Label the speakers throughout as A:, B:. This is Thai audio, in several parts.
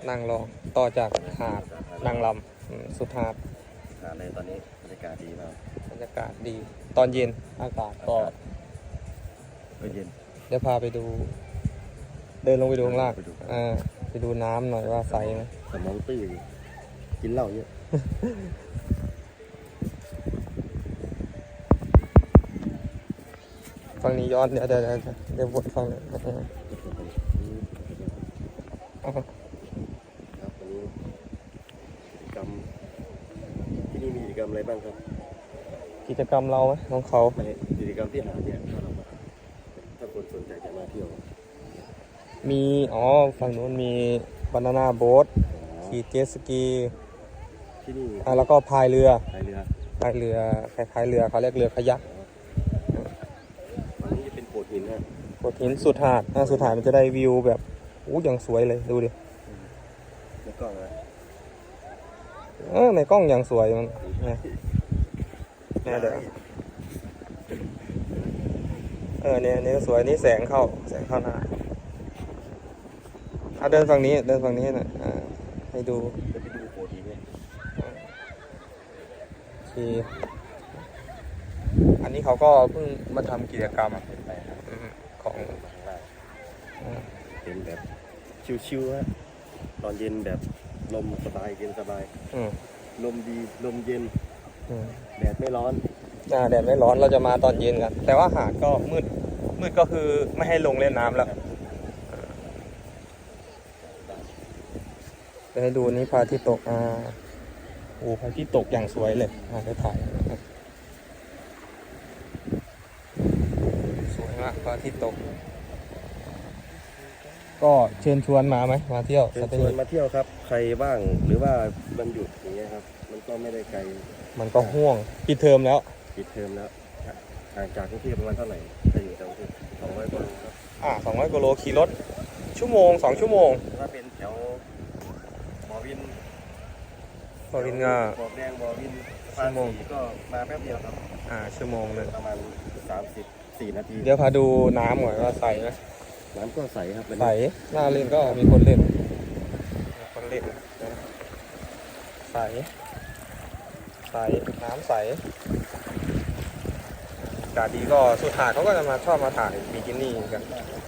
A: นางรองต่อจากหาดนางลำสุดหาด
B: เลยตอนนี้บรรยากาศดีมาก
A: บรรยากาศดี ตอนเย็นอากาศก็
B: เย็น
A: เดี๋ยวพาไปดู เดินลงไปดูข้างล่างไปดูน้ำหน่อยว่าใสไหม
B: สมองตื้อกินเหล้าเยอะ
A: ฝั่งนี้ย้อนเดี๋ยววนฝั่งนี้
B: ครับวันนี้กิจกรรมที่นี่มีกิจกรรมอะไรบ้างครับ
A: กิจกรรมเราไหมของเขา
B: กิจกรรมที่หาดเนี่ยถ้าคนสนใจจะมาเที่ยว
A: มีฝั่งนู้นมีบานาน่าโบ๊ทขี่เจ็ตสกี
B: ที่นี่
A: แล้วก็พายเรือคล้ายๆเรือเขาเรียกเรือขยัก
B: ฝั่งนี้จะเป็นโขดหินฮะ
A: โขดหินสุดหาดมันจะได้วิวแบบอย่างสวยเลยดูดิ
B: ในกล้องนะ
A: ในกล้องอย่างสวยมันเนี่ยเดี๋ยวเนี่ยสวยนี่แสงเข้าหน้าเดินฝั่งนี้นะให้ดู
B: จะไปดูโขดหินเนี่ย
A: อันนี้เขาก็เพิ่งมาทำกิจกรรมของ
B: เป็นแบบชิวๆฮะตอนเย็นแบบลมสบายเย็นสบายลมดีลมเย็นแดดไม่ร้อน
A: แดดไม่ร้อนเราจะมาตอนเย็นกันแต่ว่าหาดก็มืดก็คือไม่ให้ลงเล่นน้ำแล้วจะให้ดูนี่พระอาทิตย์ตกพระอาทิตย์ตกอย่างสวยเลยได้ถ่ายสวยมากพระอาทิตย์ตกก็เชิญชวนมาไหมมาเที่ยว
B: เชิญชวนมาเที่ยวครับใครบ้างหรือว่าวันหยุดอย่างเงี้ยครับมันก็ไม่ได้ไกล
A: มันก็ห่วงปิดเทอมแล้ว
B: ห่างจากกรุงเทพประมาณเท่าไหร่ถ้าอยู่จากกรุงเทพ200 กว่าโลครับ
A: 200 กว่าโลขี่รถ2 ชั่วโมง
B: ถ้าเป็นแถวบ่อวินบ่อแดงบ่อวิน
A: ชั่วโมง
B: ก็มาแป๊บเดียวครับ
A: ชั่วโมงเลย
B: ประมาณ34 นาที
A: เดี๋ยวพาดูน้ำหน่อยว่าใสไหม
B: น้ำก็ใสครับ
A: ใสน่าเล่นก็มีคนเล่นใสน้ำใสอากาศดีก็สุดหาดเขาก็จะชอบมาถ่ายบิกินี่กัน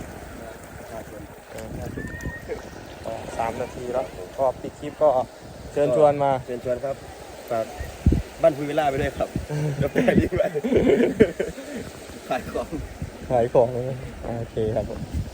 A: 3 นาทีแล้วก็ปิดคลิปก็เชิญชวน
B: ครับฝากบ้านพูวิลล่าไปด้วยครับกาแฟดีไปขายของ
A: โอเคครับผม